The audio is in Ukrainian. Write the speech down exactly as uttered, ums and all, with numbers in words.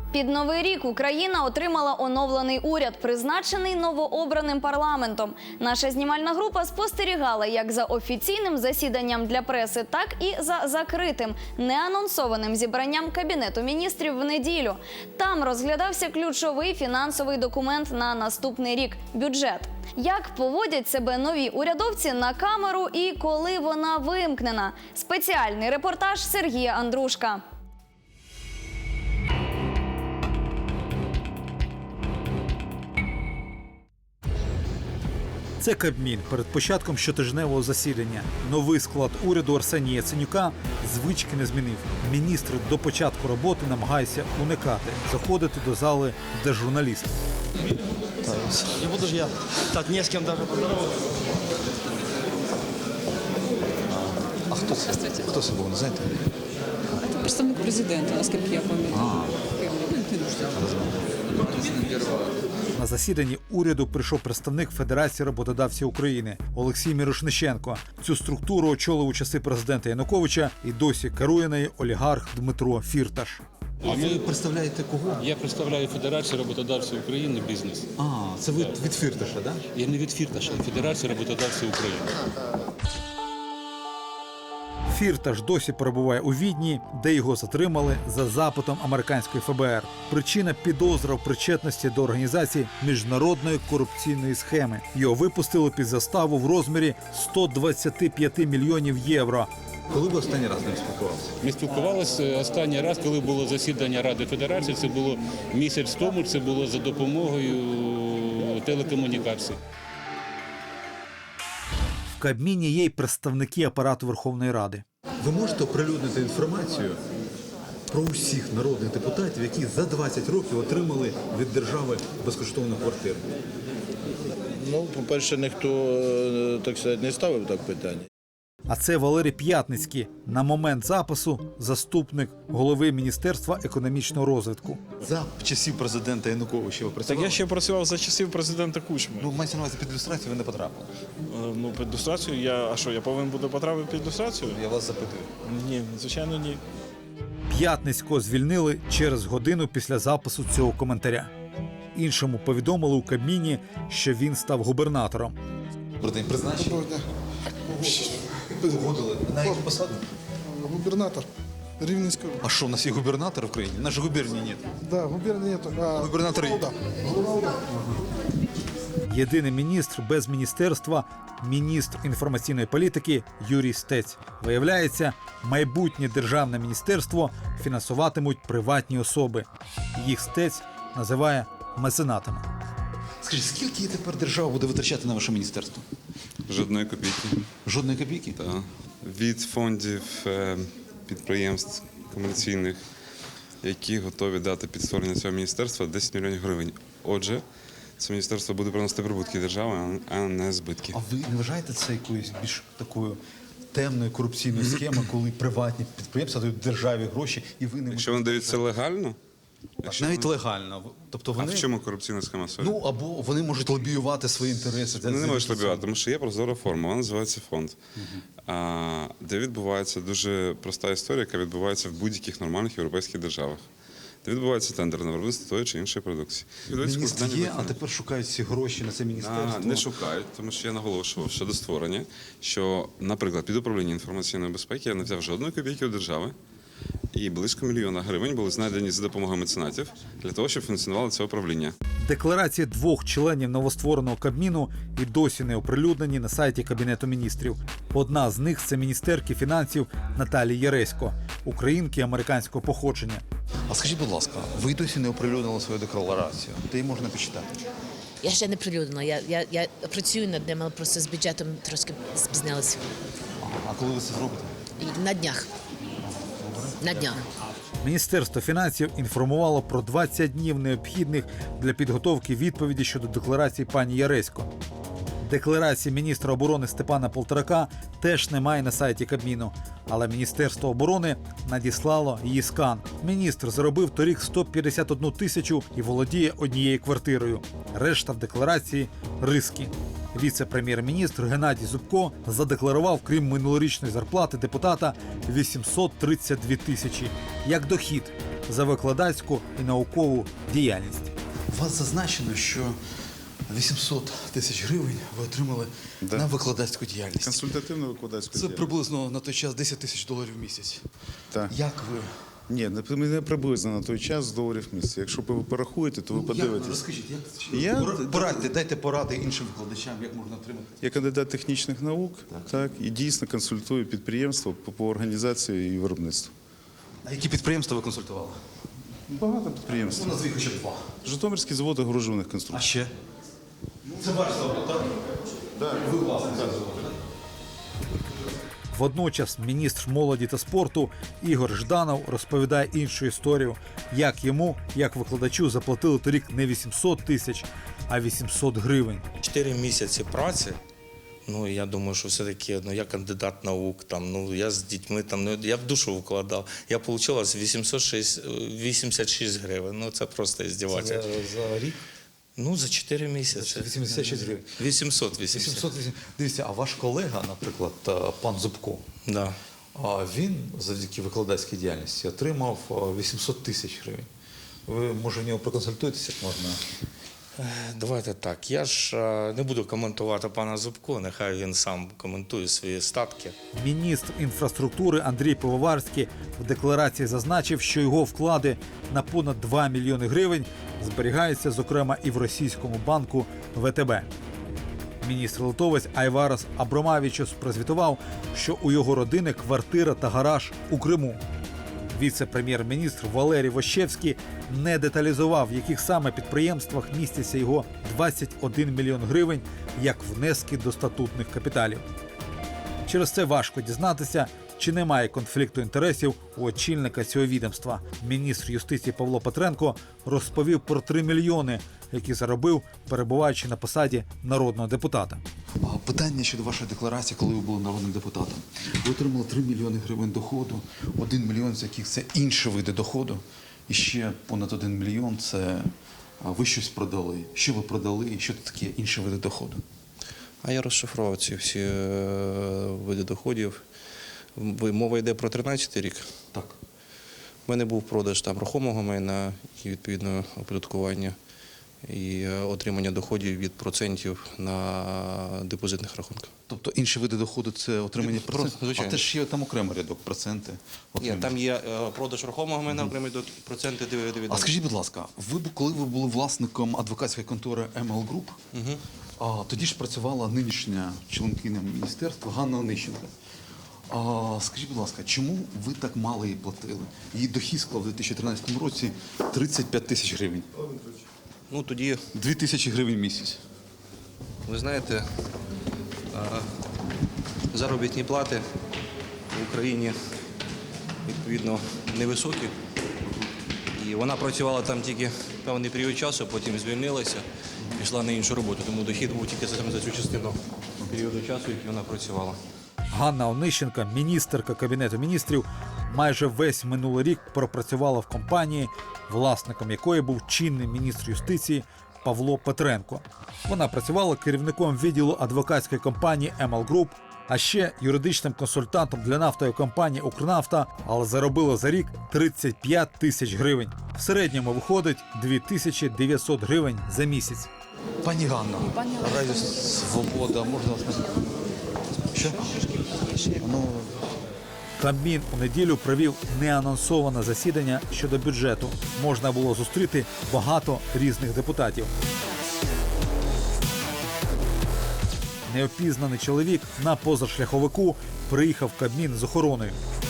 Під Новий рік Україна отримала оновлений уряд, призначений новообраним парламентом. Наша знімальна група спостерігала як за офіційним засіданням для преси, так і за закритим, неанонсованим зібранням Кабінету міністрів в неділю. Там розглядався ключовий фінансовий документ на наступний рік – бюджет. Як поводять себе нові урядовці на камеру і коли вона вимкнена? Спеціальний репортаж Сергія Андрушка. Це Кабмін перед початком щотижневого засідання. Новий склад уряду Арсенія Яценюка звички не змінив. Міністр до початку роботи намагається уникати заходити до зали, де журналісти. Не буду ж я так не з ким даже поздороваться. А хто це? Хто це був, не знаєте? Це представник президента, наскільки я пам'ятаю. На засіданні уряду прийшов представник Федерації роботодавців України Олексій Мірошниченко. Цю структуру очолив у часи президента Януковича і досі керує нею олігарх Дмитро Фірташ. А ви представляєте кого? Я представляю Федерацію роботодавців України «Бізнес». А, це ви від Фірташа, так? Да? Я не від Фірташа, а Федерація роботодавців України. Фірташ досі перебуває у Відні, де його затримали за запитом американської еф бе ер. Причина – підозра в причетності до організації міжнародної корупційної схеми. Його випустили під заставу в розмірі сто двадцять п'ять мільйонів євро. Коли ви останній раз з ним спілкувалися? Ми спілкувалися останній раз, коли було засідання Ради Федерації. Це було місяць тому, це було за допомогою телекомунікацій. В Кабміні є й представники апарату Верховної Ради. Ви можете оприлюднити інформацію про усіх народних депутатів, які за двадцять років отримали від держави безкоштовну квартиру? Ну, по-перше, ніхто, так сказати, не ставив так питання. А це Валерій П'ятницький, на момент запису заступник голови Міністерства економічного розвитку. За часів президента Януковича ви працювали? Так я ще працював за часів президента Кучми. Ну, мається на увазі, під ілюстрацію ви не потрапили. Е, Ну, під люстрацію я. А що, я повинен буду потрапити під люстрацію? Я вас запитую. Ні, звичайно, ні. П'ятницького звільнили через годину після запису цього коментаря. Іншому повідомили у Кабміні, що він став губернатором. Добрий день, призначення? Погодили. На яку посаду? Губернатор Рівненської. А що, у нас є губернатор в країні? У нас же губернії нет. Да, губернии нету. А Губернатор є. Єдиний міністр без міністерства – міністр інформаційної політики Юрій Стець. Виявляється, майбутнє державне міністерство фінансуватимуть приватні особи. Їх Стець називає меценатами. Скажіть, скільки тепер держава буде витрачати на ваше міністерство? Жодної копійки. Жодної копійки? Так. Від фондів е, підприємств комерційних, які готові дати під створення цього міністерства десять мільйонів гривень. Отже, це міністерство буде приносити прибутки держави, а не збитки. А ви не вважаєте це якоюсь більш такою темною корупційною схемою, коли приватні підприємства дають державі гроші і ви не Якщо вони дають це легально, якщо навіть вони- легально. Тобто а вони в чому корупційна схема? Сорі? ну або вони можуть лобіювати свої інтереси. Вони не можуть лобіювати, тому що є прозора форма, вона називається фонд, а, де відбувається дуже проста історія, яка відбувається в будь-яких нормальних європейських державах. Де відбувається тендер на виробництво тої чи іншої продукції. Відбувається Міністр складання є, а виконання. тепер шукають ці гроші на це міністерство. А, не шукають, тому що я наголошував щодо створення, що, наприклад, під управління інформаційної безпеки я не взяв жодної копійки у держави, і близько мільйона гривень були знайдені за допомогою меценатів для того, щоб функціонувало це управління. Декларації двох членів новоствореного Кабміну і досі не оприлюднені на сайті Кабінету міністрів. Одна з них – це міністерки фінансів Наталії Яресько, українки американського походження. А скажіть, будь ласка, ви досі не оприлюднили свою декларацію? Де її можна почитати? Я ще не прилюднила. Я, я, я працюю над ним, але просто з бюджетом трошки спізнилася. А коли ви це зробите? І на днях. На днях. Міністерство фінансів інформувало про двадцять днів необхідних для підготовки відповіді щодо декларації пані Яресько. Декларації міністра оборони Степана Полторака теж немає на сайті Кабміну, але Міністерство оборони надіслало її скан. Міністр заробив торік сто п'ятдесят одну тисячу і володіє однією квартирою. Решта в декларації – риски. Віце-прем'єр-міністр Геннадій Зубко задекларував, крім минулорічної зарплати депутата, вісімсот тридцять дві тисячі як дохід за викладацьку і наукову діяльність. У вас зазначено, що вісімсот тисяч гривень ви отримали Да. на викладацьку діяльність. Консультативно викладацьку Це діяльність. приблизно на той час десять тисяч доларів в місяць. Так. Як ви? Ні, не- не приблизно на той час з доларів в місяць. Якщо ви порахуєте, то ви Ну, як? подивитесь. Розкажіть, як Я- Пора- порадьте, дайте поради іншим викладачам, як можна отримати. Я кандидат технічних наук, так, і дійсно консультую підприємства по, по організації і виробництву. А які підприємства ви консультували? Багато підприємств. Ну, назвіть хоча б два. Житомирський завод огорожуваних А конструкцій. ще? Це ваш завод, так? Так. Ви власник цього заводу, так? Водночас міністр молоді та спорту Ігор Жданов розповідає іншу історію, як йому, як викладачу, заплатили торік не вісімсот тисяч, а вісімсот гривень. Чотири місяці праці. Ну, я думаю, що все-таки, ну, я кандидат наук, там, ну, я з дітьми, там, ну, я в душу вкладав. Я отримала вісімсот вісімдесят шість гривень. Ну, це просто іздівательство. За рік? Ну, за чотири місяці. вісімдесят шість гривень. вісімсот вісімдесят. вісімсот вісімдесят. Дивіться, а ваш колега, наприклад, е, пан Зубко, Да. а він завдяки викладацькій діяльності отримав е, вісімсот тисяч гривень. Ви, може, в нього проконсультуєтеся, як можна? Давайте так. Я ж е, не буду коментувати пана Зубко, нехай він сам коментує свої статки. Міністр інфраструктури Андрій Пивоварський в декларації зазначив, що його вклади на понад два мільйони гривень зберігаються, зокрема, і в російському банку Ве Те Бе. Міністр-литовець Айварас Абромавічус прозвітував, що у його родини квартира та гараж у Криму. Віце-прем'єр-міністр Валерій Вощевський не деталізував, в яких саме підприємствах містяться його двадцять один мільйон гривень як внески до статутних капіталів. Через це важко дізнатися, чи немає конфлікту інтересів у очільника цього відомства. Міністр юстиції Павло Петренко розповів про три мільйони, які заробив, перебуваючи на посаді народного депутата. А, питання щодо вашої декларації, коли ви були народним депутатом. Ви отримали три мільйони гривень доходу, один мільйон з яких це інші види доходу, і ще понад один мільйон це а, ви щось продали. Що ви продали і що це таке інші види доходу? А я розшифрував ці всі е, види доходів. Ви- Мова йде про тринадцятий рік. Так. У мене був продаж там рухомого майна і відповідно оподаткування і е, отримання доходів від процентів на депозитних рахунках. Тобто інші види доходу це отримання Ні, процентів? просто, звичайно. А теж є там окремий рядок, проценти. Ні, окремі. там є е, продаж рухомого майна, окремі до- проценти дивіденди. А скажіть, будь ласка, ви б- коли ви були власником адвокатської контори Ем Ел Груп, а, тоді ж працювала нинішня членкиня міністерства Ганна Онищенко. А, скажіть, будь ласка, чому ви так мало їй платили? Її дохід склав у дві тисячі тринадцятому році тридцять п'ять тисяч гривень. Ну тоді, Дві тисячі гривень в місяць. ви знаєте, е, заробітні плати в Україні відповідно невисокі. І вона працювала там тільки певний період часу, потім звільнилася, пішла на іншу роботу. Тому дохід був тільки саме за цю частину періоду часу, який вона працювала. Ганна Онищенка, міністерка Кабінету міністрів, майже весь минулий рік пропрацювала в компанії, власником якої був чинний міністр юстиції Павло Петренко. Вона працювала керівником відділу адвокатської компанії Ем Ел Груп, а ще юридичним консультантом для нафтової компанії «Укрнафта», але заробила за рік тридцять п'ять тисяч гривень. В середньому виходить дві тисячі дев'ятсот гривень за місяць. Пані Ганна, Радіо Свобода, можна вас назвати? Що? Ну, Кабмін у неділю провів неанонсоване засідання щодо бюджету. Можна було зустріти багато різних депутатів. Неопізнаний чоловік на позашляховику приїхав в Кабмін з охороною.